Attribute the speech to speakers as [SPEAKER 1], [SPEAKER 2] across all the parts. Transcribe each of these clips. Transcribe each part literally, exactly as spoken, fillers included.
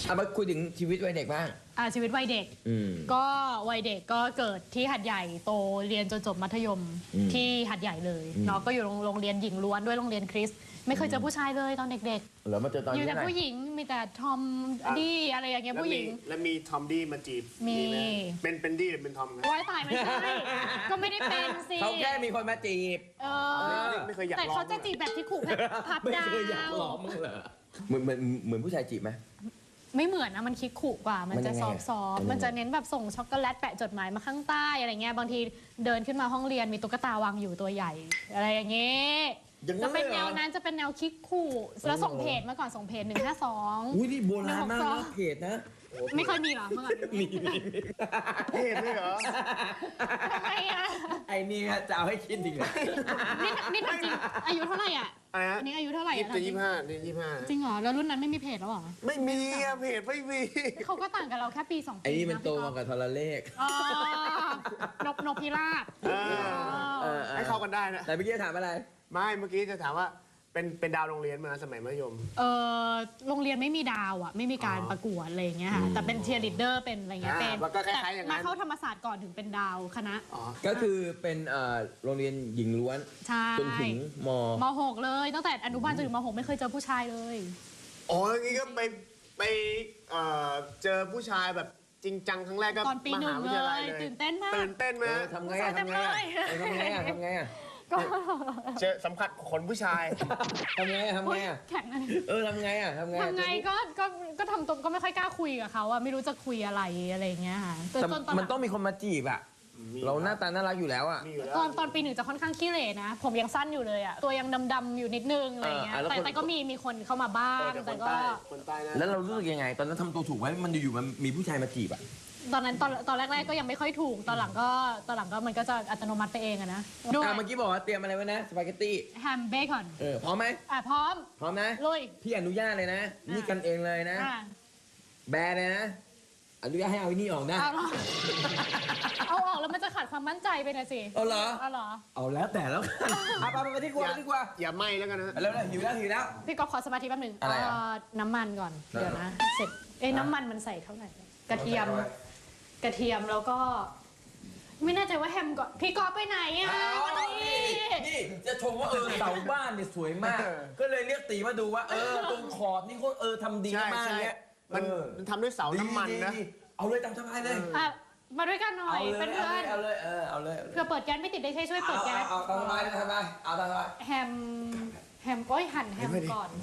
[SPEAKER 1] เอามาคุยถึงชีวิตวัยเด็กบ้าง
[SPEAKER 2] อ่าชีวิตวัยเด็กก็วัยเด็กก็เกิดที่หัดใหญ่โตเรียนจนจบมัธยมที่หัดใหญ่เลยเนาะก็อยู่โรงเรียนหญิงล้วนด้วยโรงเรียนคริสต์ไม่เคยเจอผู้ชายเลยตอนเด็กๆ
[SPEAKER 1] แล้วมาเจอตอนนี้
[SPEAKER 2] อยู่แต่ผู้หญิงมีแต่ทอมดี้อะไรอย่างเงี้ยผู้หญิง
[SPEAKER 3] แล้วมีทอมดี้มาจีบ
[SPEAKER 2] มี
[SPEAKER 3] เป็นเป็นดี้หรือเป็นทอมนะ
[SPEAKER 2] ว้ายตายไม่ใช่ก็ไม่ได้เป็นสิ
[SPEAKER 1] เขาแค่มีคนมาจีบ
[SPEAKER 2] เออ
[SPEAKER 3] ไม่เคยอยากลอง
[SPEAKER 2] แต่เขาจะจีบแบบที่ขู่พับดาว
[SPEAKER 1] ไม่เคยอยากลองมึงเหรอเหมือนเหมือนเหมือนผู้ชายจีบไหม
[SPEAKER 2] ไม่เหมือนนะมันคิดขู่กว่ามันจะซอฟซอฟมันจะเน้นแบบส่งช็อกโกแลตแปะจดหมายมาข้างใต้อะไรเงี้ยบางทีเดินขึ้นมาห้องเรียนมีตุ๊กตาวางอยู่ตัวใหญ่อะไรอย่างเงี้ยจะเป็นแนวนั้นจะเป็นแนวคิกขู่แล้วส่งเพจมาก่อนส่งเพจหนึ่งห้าสอง
[SPEAKER 1] อุ้ยนี่โบราณมากนะเพจนะ
[SPEAKER 2] ไม่เคยมีหรอเมื่อก่อน
[SPEAKER 1] มี
[SPEAKER 3] เพจเลยเหรอ
[SPEAKER 2] ทำไมอ่ะ
[SPEAKER 1] ไอ้นี่จะเอาให้คิดจริงเหรอ
[SPEAKER 2] นี่นี่จริงอายุเท่าไหร่อ่ะอันนี้อายุเท่าไหร่
[SPEAKER 3] อ่ะยี่สิบห้านี่ยี่สิบห้า
[SPEAKER 2] จริงเหรอแล้วรุ่นนั้นไม่มีเพจแล้วหรอ
[SPEAKER 3] ไม่มีอ่ะเพจไม่มี
[SPEAKER 2] เขาก็ต่างกันเราแค่ปีสองปี
[SPEAKER 1] ไอ้นี่มันโตมากับโทรเลข
[SPEAKER 2] อ๋อนกนกพิราบ
[SPEAKER 3] ให้เข้ากันได้นะ
[SPEAKER 1] แต่เมื่อกี้ถามอะไร
[SPEAKER 3] ไม่เมื่อกี้จะถามว่าเป็นเป็นดาวโรงเรียนมาสมัยมัธยม
[SPEAKER 2] เออโรงเรียนไม่มีดาวอ่ะไม่มีการประกวดอะไรอย่างเงี้ยค่ะแต่เป็นเชียร์ลีดเดอร์เป็นอะไรเงี้ยเป็น
[SPEAKER 3] แต่
[SPEAKER 2] มาเข้าธรรมศาสตร์ก่อนถึงเป็นดาวคณะ
[SPEAKER 1] ก็คือเป็นโรงเรียนหญิงล้วนจนถึงม
[SPEAKER 2] มหกเลยตั้งแต่อนุบาลจนถึงมหกไม่เคยเจอผู้ชายเลย
[SPEAKER 3] อ๋ออย่างงี้ก็ไปไปเจอผู้ชายแบบจริงจังครั้งแรกก็
[SPEAKER 2] ตอนปีหนึ่งเลยตื่นเต้นมาก
[SPEAKER 3] ตื่นเต้นไหม
[SPEAKER 1] ทำไงทำไงทำไงทำไง
[SPEAKER 2] ก็
[SPEAKER 3] เจอสัมผัสขนผู้ชาย
[SPEAKER 1] ทำไงทำไงอ่ะ
[SPEAKER 2] แข็ง
[SPEAKER 1] เออทำไงอ่ะทำไง
[SPEAKER 2] ทำไงก็ก็ก็ทำตัวก็ไม่ค่อยกล้าคุยกับเขาอะไม่รู้จะคุยอะไรอะไรเงี้ยค่ะ
[SPEAKER 1] แต่มันต้องมีคนมาจีบอ่ะเราหน้าตาน่ารักอยู่แล้วอ่ะ
[SPEAKER 2] ตอนตอนปีหนึ่งจะค่อนข้างขี้เหร่นะผมยังสั้นอยู่เลยอ่ะตัวยังดำๆอยู่นิดนึงอะไรเงี้ยแต่แต่ก็มีมีคนเข้ามาบ้างแต่ก็
[SPEAKER 1] แล้วเรารู้สึกยังไงตอนนั้นทำตัวถูกไหมมันอยู่ๆมันมีผู้ชายมาจีบอ่ะ
[SPEAKER 2] ตอนนั้นตอนตอนแรกๆก็ยังไม่ค่อยถูกตอนหลังก็ตอนหลังก็มันก็จะอัตโนมัติไปเองอะนะ
[SPEAKER 1] ดูเมื่อกี้บอกว่าเตรียมอะไรไว้นะสปาเกตตี้
[SPEAKER 2] แฮมเบคอน
[SPEAKER 1] เออพร้อมไหม
[SPEAKER 2] อ่ะพร้อม
[SPEAKER 1] พร้อมนะ
[SPEAKER 2] ลุย
[SPEAKER 1] พี่อนุญาตเลยนะนี่กันเองเลยนะแบร์เลยนะอนุญาตให้เอานี่ออกนะ
[SPEAKER 2] เอาออกแล้วมันจะขาดความมั่นใจไปนะสิ
[SPEAKER 1] เอาเหรอ
[SPEAKER 2] เอาเหรอ
[SPEAKER 1] เอาแล้วแต่แล้วกันเอาไปไปดีกว่าดีกว่า
[SPEAKER 3] อย่าไหม้แล้วกันนะ
[SPEAKER 1] แล้วหิวแล้วหิวแล้ว
[SPEAKER 2] พี่ก๊อฟขอสมาธิแป๊บนึงน้ำมันก่อนเดี๋ยวนะเสร็จเอ้น้ำมันมันใส่เท่าไหร่กระเทียมกระเทียมแล้วก็ไม่แน่ใจว่าแฮมก่อนพี่กอล์ฟไปไหนอ่ะ
[SPEAKER 1] นี่นี่จะชมว่าเออเสาบ้านเนี่ยสวยมากก็เลยเรียกตีมาดูว่าเออตรงขอบนี่เขาเออทำดีมากเนี้ย
[SPEAKER 3] มันมันทำด้วยเสาน้ำมันนะ
[SPEAKER 1] เอาเลยตามสบายเลย
[SPEAKER 2] มาด้วยกันหน่อยเป็นเพื่อน
[SPEAKER 1] เอาเลยเออเอาเลย
[SPEAKER 2] เพื่อเปิดแก๊สไม่ติดได้ใช่ช่วยเปิดแก๊ส
[SPEAKER 1] เอาตามสบายตามสบายเอาตามสบาย
[SPEAKER 2] แฮมแฮมก้อยหั่นแฮมก่อน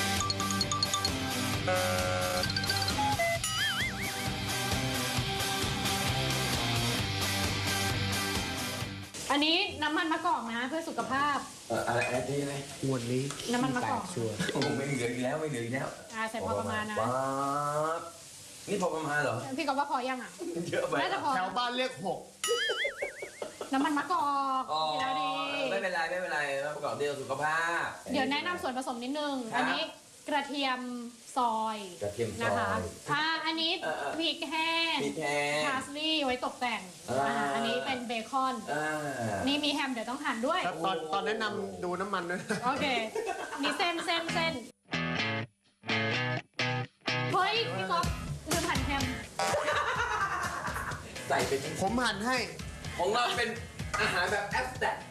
[SPEAKER 2] อันนี้น้ำมันมะกอกนะเพื่อสุขภาพ
[SPEAKER 1] เอออะไรอะไรนี่อะไร
[SPEAKER 3] วันนี้
[SPEAKER 2] น้ำมันมะกอก
[SPEAKER 1] ชัวร์โอ้ไม่เหลืออีกแล้วไม่เหลืออีกแล้ว
[SPEAKER 2] อ่าใส่พอประมาณนะ
[SPEAKER 1] นี่พอประมาณเหรอ
[SPEAKER 2] พี่ก็ว่าพอยังอ่ะ
[SPEAKER 1] เยอะไป
[SPEAKER 2] น่าจะพอ
[SPEAKER 3] แถวบ้านเรียกหก
[SPEAKER 2] น้ำมันมะกอกกินแล้วดี
[SPEAKER 1] ไม่เป็นไรไม่เป็นไรน้ำมะกอกเดียวสุขภาพ
[SPEAKER 2] เดี๋ยวแนะนำส่วนผสมนิดนึงอันนี้กระเทียมซอย
[SPEAKER 1] กระเทียมซอย
[SPEAKER 2] นะคะอ่าอันนี้พริกแห้ง
[SPEAKER 1] พริกแห้ง
[SPEAKER 2] พาสลีย์ไว้ตกแต่งอันนี้เป็นเบคอนนี่มีแฮมเดี๋ยวต้องหั่นด้วย
[SPEAKER 3] ตอนตอนแนะนำดูน้ำมันด้วย
[SPEAKER 2] โอเคนี่เส้นเส้นเส้นเฮ้ยพี่ก๊อฟลืมหั่นแฮม
[SPEAKER 1] ใส่เป็น
[SPEAKER 3] ผมหั่นให้
[SPEAKER 1] ของเราเป็นอาหารแบบแอสแตท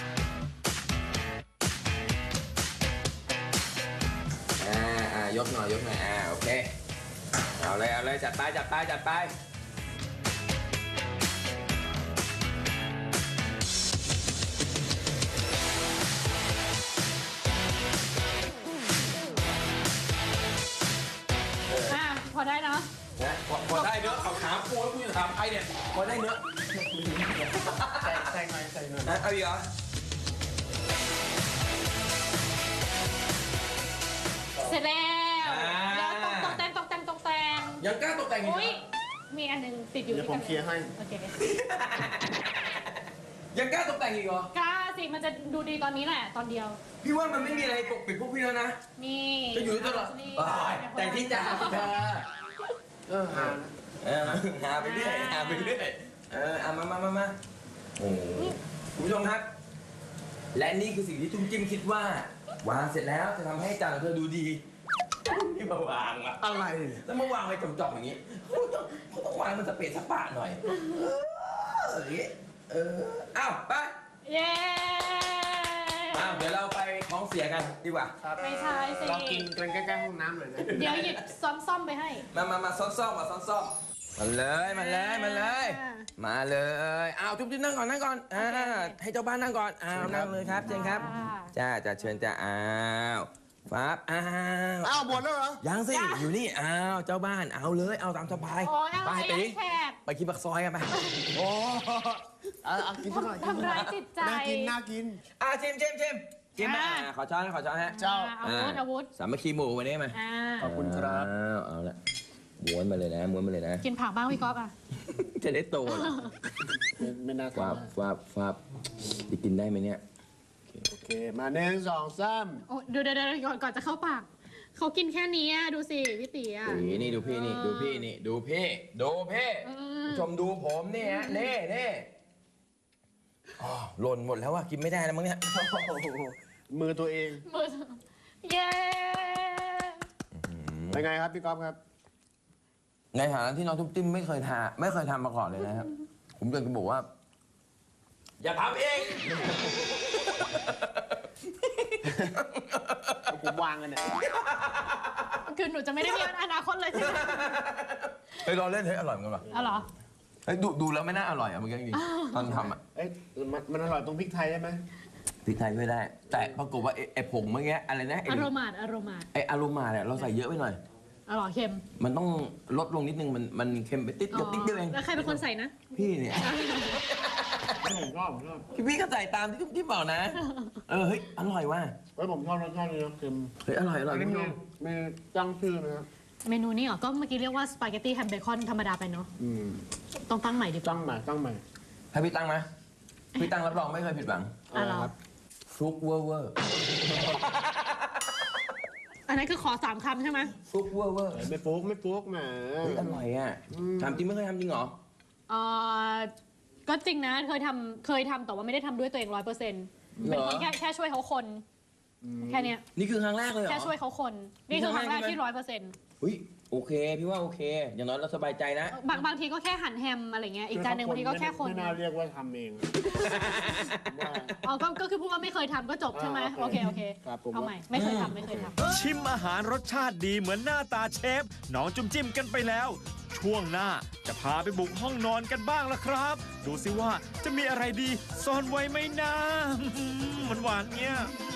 [SPEAKER 1] อ่าอ่ายกหน่อยยกหน่อยอ่าโอเคเอาเลยเอาเลยจัดไปจัดไปจัดไป
[SPEAKER 2] อ่าพอได้เนาะ
[SPEAKER 1] นะพอได้เนื้อเขาถามกูแล้วกูจะถามใครเนี่ยพอได้เนื้อ
[SPEAKER 3] ใส่ใส่หน่อยใส่หน่อย
[SPEAKER 1] เอาอีกเหรอ
[SPEAKER 2] เสร็จแล้วแล้วตกแต่งตกแต่งตกแต่ง
[SPEAKER 1] ยังกล้าตกแต่งอีก
[SPEAKER 2] มีอันนึงติดอยู่
[SPEAKER 3] เดี๋ยวผมเคลียร์ให้
[SPEAKER 2] โอเค
[SPEAKER 1] ยังกล้าตกแต่งอีกเหร
[SPEAKER 2] อกล้าสิมันจะดูดีตอนนี้แหละตอนเดียว
[SPEAKER 1] พี่ว่ามันไม่มีอะไรปกปิดพวกพี่แล้วนะ
[SPEAKER 2] มี
[SPEAKER 1] จะอยู่ตลอดแต่ที่จะเธอเออหาเออหาไปเรื่อยหาไปเรื่อยเออเอามามามามาโอ้คุณผู้ชมครับและนี่คือสิ่งที่จุ้มจิ้มคิดว่าวางเสร็จแล้วจะทำให้จานของเธอดูดีนี่มาวางอะ
[SPEAKER 3] อะไร
[SPEAKER 1] แล้วมาวางไว้จ่อมๆอย่างนี้เขาต้องเขาต้องวางมันสเปซสปะหน่อยเอออย่างนี้เอออ้าวไป
[SPEAKER 2] เย้
[SPEAKER 1] อ้าวเดี๋ยวเราไปของเสียกันดีกว่า
[SPEAKER 2] ไม่ใช่สิ
[SPEAKER 3] เรากินกันใกล้ๆห้องน้ำเลยนะ
[SPEAKER 2] เดี๋ยวหยิบซ้อมๆไปให้
[SPEAKER 1] มามามาซ้อนๆมาซ้อนๆมาเลยมาเลยมาเลย มาเลยอ้าวจุ๊บจิ๊บนั่งก่อนนั่งก่อนอ่าให้เจ้าบ้านนั่งก่อนอ้าวนั่งเลยครับเชิญครับจ้าจ้าเชิญจ้าอ้าวฟับอ้าว
[SPEAKER 3] อ้าวหมดแล้วเหรอ
[SPEAKER 1] ยังสิอยู่นี่อ้าวเจ้าบ้านเอาเลยเอาตามสบาย
[SPEAKER 2] โอ้ยอะไร
[SPEAKER 1] ไปตี
[SPEAKER 2] แขก
[SPEAKER 1] ไปกินปักซอยกันไป
[SPEAKER 3] โอ้เอาเอากินสักหน่อยกินสักหน่
[SPEAKER 2] ทำร้า
[SPEAKER 3] อย ย
[SPEAKER 2] จิตใจ
[SPEAKER 3] น่ากินน่ากิน
[SPEAKER 1] อ่าชิมชิมชิมชิมมา
[SPEAKER 2] อ่า
[SPEAKER 1] อ่าขอช้อนนะขอช้อนฮะ
[SPEAKER 3] เจ้า
[SPEAKER 2] อาวุธอาวุธ
[SPEAKER 1] สามัคคีหมู่วันนี้มา
[SPEAKER 2] อ่า
[SPEAKER 3] ขอบคุณครับ
[SPEAKER 1] อ้าวเอาละม้วนมาเลยนะม้วนมาเลยนะ
[SPEAKER 2] กินผักบ้างพี่ก๊อฟอ่ะ
[SPEAKER 1] จะได้โตเหรอ
[SPEAKER 3] ไม่ไม่น่า
[SPEAKER 1] ฟา
[SPEAKER 3] ทา
[SPEAKER 1] บฟาบฟาบจะกินได้ไหมเนี่ย
[SPEAKER 3] โอเค มาหนึ่งสองสาม
[SPEAKER 2] โอ้ดูเดี๋ยวเดี๋ยวก่อนก่อนจะเข้าปาก เขากินแค่นี้อะดูสิพี่ตีอ่ะ
[SPEAKER 1] นี่นี่ดูพี่นี่ดูพี่นี่ดูพี่ดูพี่
[SPEAKER 2] อืม
[SPEAKER 1] ผู้ชมดูผมนี่ฮะเน่เน่อ๋อหล่นหมดแล้วว่ะกินไม่ได้แล้วมั้งเนี่ย
[SPEAKER 3] โอ้โหมือตัวเอง
[SPEAKER 2] มือเย้
[SPEAKER 3] เป็นไงครับพี่ก๊อฟครับ
[SPEAKER 1] ในฐานะที่น้องทุบติ้มไม่เคยทาไม่เคยทำมาก่อนเลยนะครับ ผมอยากจะบอกว่า อย่าทำเอง
[SPEAKER 3] ผมวางกันเนี่ย
[SPEAKER 2] คือหนูจะไม่ได้มีอนาคตเลยใช่ไหม
[SPEAKER 1] เฮ้ยรอเล่นเฮ้ยอร่อยเหมือนกันว่ะ
[SPEAKER 2] อ๋อเหรอ
[SPEAKER 1] เฮ้ยดูดูแล้วไม่น่าอร่อยอ่ะเมื่อกี้จริงๆตอนทำอ่ะ
[SPEAKER 3] เอ้ยมันมันอร่อยตรงพริกไทยใช่ไหม
[SPEAKER 1] พริกไทยไม่ได้ แต่ปรากฏว่าไอ้ไอ้ผงเมื่อกี้อะไรนะไอ้
[SPEAKER 2] อารมาดอารมาด
[SPEAKER 1] ไอ้อารมาเนี่ยเราใส่เยอะไปหน่อย
[SPEAKER 2] อร่อยเค็ม
[SPEAKER 1] มันต้องลดลงนิดนึงมันมันเค็มไปติดเดียวติดเดียวเอง
[SPEAKER 2] แล้วใครเป็นคนใส่นะ
[SPEAKER 1] พี่เนี่ย
[SPEAKER 3] ผมชอบผมชอบ
[SPEAKER 1] พี่พี่ก็ใส่ตามที่ที่บอกนะ เออเฮ้ยอร่อยว่ะ
[SPEAKER 3] เฮ้ยผมชอบรสชาตินี้นะเค็ม
[SPEAKER 1] เฮ้ยอร่อยอร่อย
[SPEAKER 3] อันนี้
[SPEAKER 1] คุณ
[SPEAKER 3] มี
[SPEAKER 1] ผู้ชม
[SPEAKER 3] มีตั้งชื่อนะครับ
[SPEAKER 2] เมนูนี้เหรอ ก็เมื่อกี้เรียกว่าสปาเกตตี้แฮมเบคอนธรรมดาไปเนาะ
[SPEAKER 3] อืม
[SPEAKER 2] ต้องตั้งใหม่ดีกว่า
[SPEAKER 3] ตั้งใหม่ตั้งใหม่
[SPEAKER 1] ให้พี่ตั้งไหมพี่ตั้งรับรองไม่เคยผิดหวัง
[SPEAKER 2] อ่ะเหรอ
[SPEAKER 3] ครับ
[SPEAKER 1] ฟลุกเวอร์เวอร์
[SPEAKER 2] อันนั้นคือขอสามคำใช่ไหม
[SPEAKER 1] ฟลุกเวอร์เวอร์
[SPEAKER 3] ไม่ปุ๊กไม่ปุ๊กแหม
[SPEAKER 1] เฮ้ยอร่อยอ่ะทำจริงไม่เคยทำจริงเหรอ
[SPEAKER 2] เออก็จริงนะ เคยทำเคยทำแต่ว่าไม่ได้ทำด้วยตัวเองร้อยเปอร์เซ็นต์
[SPEAKER 1] เหรอ
[SPEAKER 2] เป็นคนแค่แค่ช่วยเขาคน แค่เนี้ย
[SPEAKER 1] นี่คือครั้งแรกเลยเหรอ
[SPEAKER 2] แค่ช่วยเขาคน นี่คือครั้งแรกที่ร้อยเปอร์เซ็นต์
[SPEAKER 1] เฮ้ยโอเค พี่ว่าโอเค อย่างน้อยเราสบายใจนะ
[SPEAKER 2] บางบางทีก็แค่หั่นแฮมอะไรเงี้ย อีกจานหนึ่งบางทีก็แค่คน
[SPEAKER 3] ไม่น่าเรียกว่าทำเองว่า
[SPEAKER 2] อ๋อก็ก็คือพูดว่าไม่เคยทำก็จบใช่ไหม
[SPEAKER 3] อ่า
[SPEAKER 2] โอ
[SPEAKER 3] โอ
[SPEAKER 2] เค
[SPEAKER 3] เค
[SPEAKER 2] โอเค
[SPEAKER 3] ครับผม
[SPEAKER 2] เอาใหม่ ไม่เคยทำไม่เคยทำ
[SPEAKER 4] ชิมอาหารรสชาติดีเหมือนหน้าตาเชฟน้องจุ่มจิ้มกันไปแล้ว ช่วงหน้าจะพาไปบุกห้องนอนกันบ้างละครับ ดูสิว่าจะมีอะไรดีซ่อนไว้ไหมนะ หวานๆเงี้ย